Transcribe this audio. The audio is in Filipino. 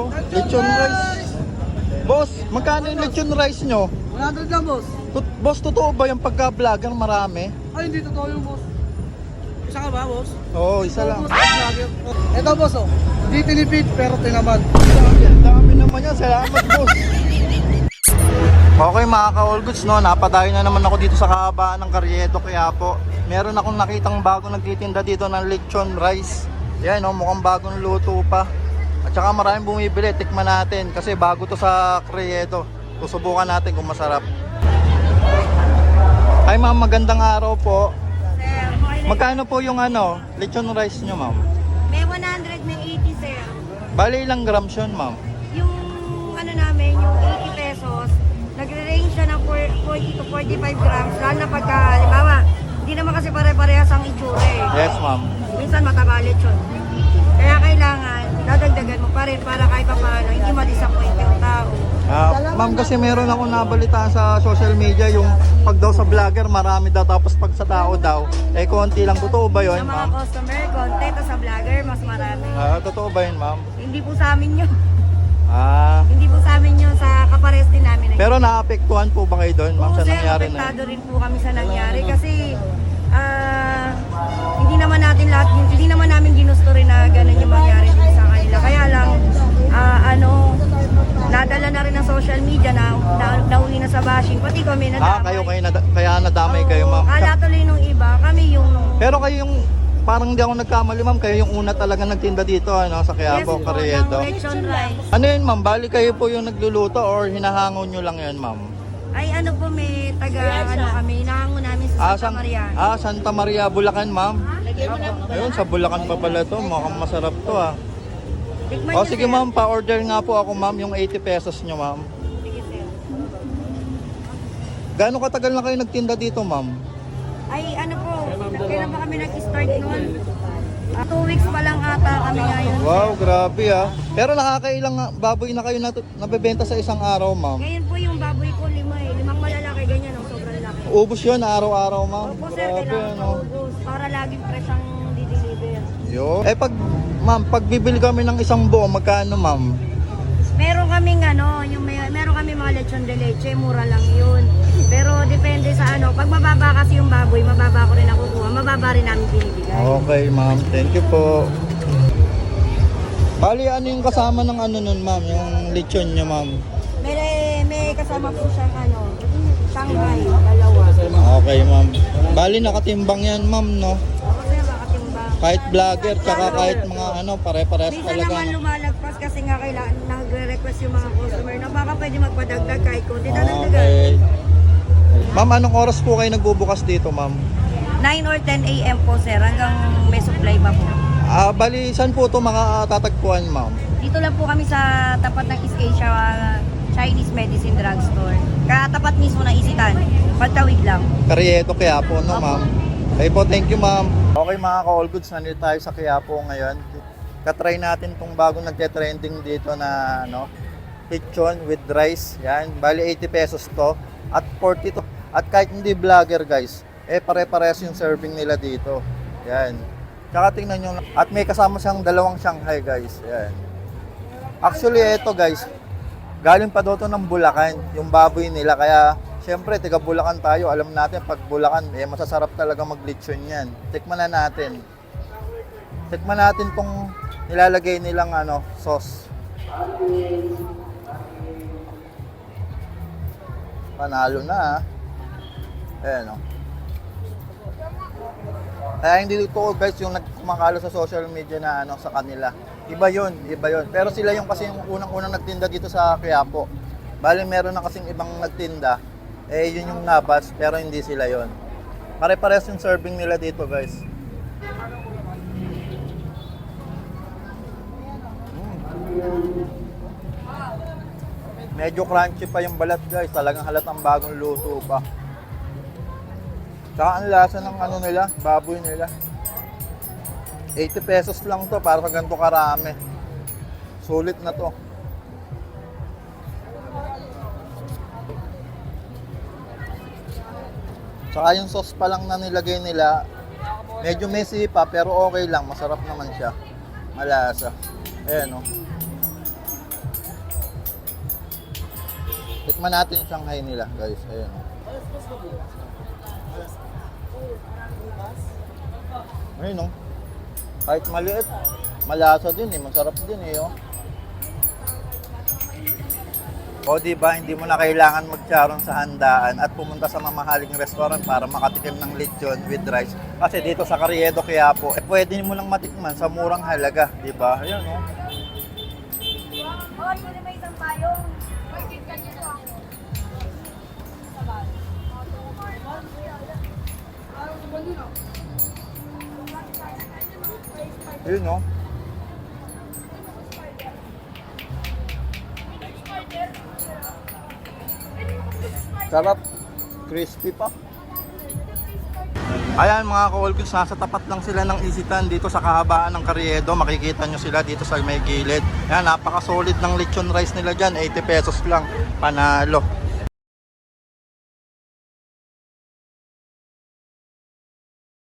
oh. Lechon rice. Boss, magkano yung lechon rice nyo? 100 lang, boss. Boss, totoo ba yung pagka-vlogger marami? Ay, hindi totoo yung boss. Isa ka ba, boss? Oo, isa lang. Boss, vlogger. Ito, boss, oh. Hindi tinipid, pero tinaman. Ang dami naman yan. Salamat, boss. Okay mga ka-all goods, no? Napadayo na naman ako dito sa kahabaan ng Carriedo, Quiapo. Meron akong nakitang bago nagtitinda dito ng lechon rice. Yan, no? Mukhang bagong luto pa. At saka maraming bumibili. Tikman natin kasi bago to sa Carriedo. Susubukan natin kung masarap. Ay ma'am, magandang araw po. Magkano po yung ano, lechon rice nyo, ma'am? May 100, may 80, sir. Bali ilang grams yun, ma'am? Yung ano namin, yung 80 pesos, nagre-range siya ng 40 to 45 grams. Lalo na pagka, halimbawa, hindi naman kasi pare-parehas ang itsura eh. Yes, ma'am. Minsan matabalit yun. Kaya kailangan, dadagdagan mo pa rin para kahit pa paano, hindi ma-disappoint yung tao. Ma'am, kasi meron ako nabalitaan sa social media yung pag daw sa vlogger marami daw tapos pag sa tao daw eh konti lang. Totoo ba yun, Sa mga ma'am? customer, content, o sa vlogger, mas marami. Totoo ba yun, ma'am? Hindi po sa amin yun. Hindi po sa amin yun, sa kapares din namin. Pero naapektuhan po ba kayo doon, ma'am, sa nangyari na yun? Apektado rin po kami sa nangyari kasi hindi naman namin ginusto rin na ganun yung mangyari din sa kanila. Kaya lang, nadala na rin ng social media na nauwi na sa bashing. Pati kami nadamay. Kaya nadamay kayo, ma'am. Kala tuloy nung iba, kami yung... Pero kayo yung, parang hindi ako nagkamali, ma'am, kayo yung una talaga nagtinda dito, ano, sa Quiapo, Carriedo. Ng lechon rice. Ano yun, ma'am? Bali kayo po yung nagluluto or hinahangon nyo lang yun, ma'am? Ay ano po, may kami, hinahango namin sa Santa Maria. Santa Maria, Bulacan, ma'am. Ayun, sa Bulacan pa pala to. Mukhang masarap to, Tikman O niyo, sige, sir. ma'am, pa-order nga po ako, ma'am, yung 80 pesos nyo, ma'am. Sige, sir. Gaano katagal na kayo nagtinda dito, ma'am? Ay ano po, kailan ba kami nag-start noon? 2 weeks pa lang ata kami ngayon. Wow, grabe Pero nakakailang baboy na kayo nabebenta sa isang araw, ma'am? Ngayon po yung baboy ko, 5 eh. 5 malalaki, ganyan, sobrang laki. Ubus yun araw-araw, ma'am. Opo sir, kailangan maubos para laging fresh ang di-deliver. Yo. Ma'am, pag bibili kami ng isang buo, magkano, ma'am? Meron kaming meron kami mga lechon de leche, mura lang yun. Pero depende sa pag mababa kasi yung baboy, mababa ko rin nakukuha, mababa rin namin binibigay. Okay, ma'am. Thank you po. Bali, ano yung kasama ng nun, ma'am? Yung lechon niya, ma'am? May kasama po siyang Shanghai, dalawa. Okay, ma'am. Bali, nakatimbang yan, ma'am, no? Ako sir, makatimbang. Kahit vlogger, tsaka kahit mga pare-parehas Minsan talaga. naman lumalagpas kasi nga kailangan nagre-request yung mga customer na baka pwede magpadagdag kahit konti dadagdagan. Okay. Ma'am, anong oras po kayo nagbubukas dito, ma'am? 9 or 10 a.m. po sir, hanggang may supply pa po. Bali, saan po ito makatatagpuan, ma'am? Dito lang po kami sa tapat ng East Asia Chinese Medicine Drugstore. Katapat mismo ng Isitan, pagtawid lang. Carriedo, Quiapo, no, ma'am? Okay po, thank you, ma'am. Okay, mga ka-all goods, nandito tayo sa Quiapo ngayon. Katry natin itong bagong nagte-trending dito na, lechon with rice. Yan, bali 80 pesos to. At 40 to. At kahit hindi vlogger, guys, pare-parehas yung serving nila dito. Yan. Tsaka tingnan nyo. At may kasama siyang dalawang Shanghai, guys. Yan. Actually, ito, guys, galing pa doon ng Bulacan, yung baboy nila. Kaya, syempre, taga Bulacan tayo. Alam natin, pag Bulacan, masasarap talaga mag-lechon yan. Tikman na natin. Tikman natin tong nilalagay nilang sauce. Panalo na, Ayan, Kaya hindi ito, guys, yung nagkumakalo sa social media na sa kanila. Iba yun. Pero sila yung kasi yung unang-unang nagtinda dito sa Quiapo. Bali, meron na kasing ibang nagtinda. Yun yung nabas, pero hindi sila yun. Pare-pares yung serving nila dito, guys. Medyo crunchy pa yung balat, guys. Talagang halatang bagong luto pa. Tsaka ang lasa ng nila, baboy nila. 80 pesos lang to para sa ganito karami. Sulit na to. Tsaka yung sauce pa lang na nilagay nila, medyo messy pa pero okay lang. Masarap naman siya. Malasa. Ayan, Tikman natin yung Shanghai nila, guys. Ayun. Ayun, no? Kahit maliit, malasa din eh. Masarap din eh, oh. O diba, hindi mo na kailangan magcharon sa handaan at pumunta sa mamahaling restaurant para makatikim ng lechon with rice. Kasi dito sa Carriedo, Quiapo, pwede mo lang matikman sa murang halaga, diba? Ayun, no? Oh, yun may isang payong. Ayun, no? Sarap. Crispy pa. Ayan mga ka-all goods, nasa tapat lang sila ng Isitan dito sa kahabaan ng Carriedo. Makikita nyo sila dito sa may gilid. Ayan, napaka-solid ng lechon rice nila dyan. 80 pesos lang. Panalo.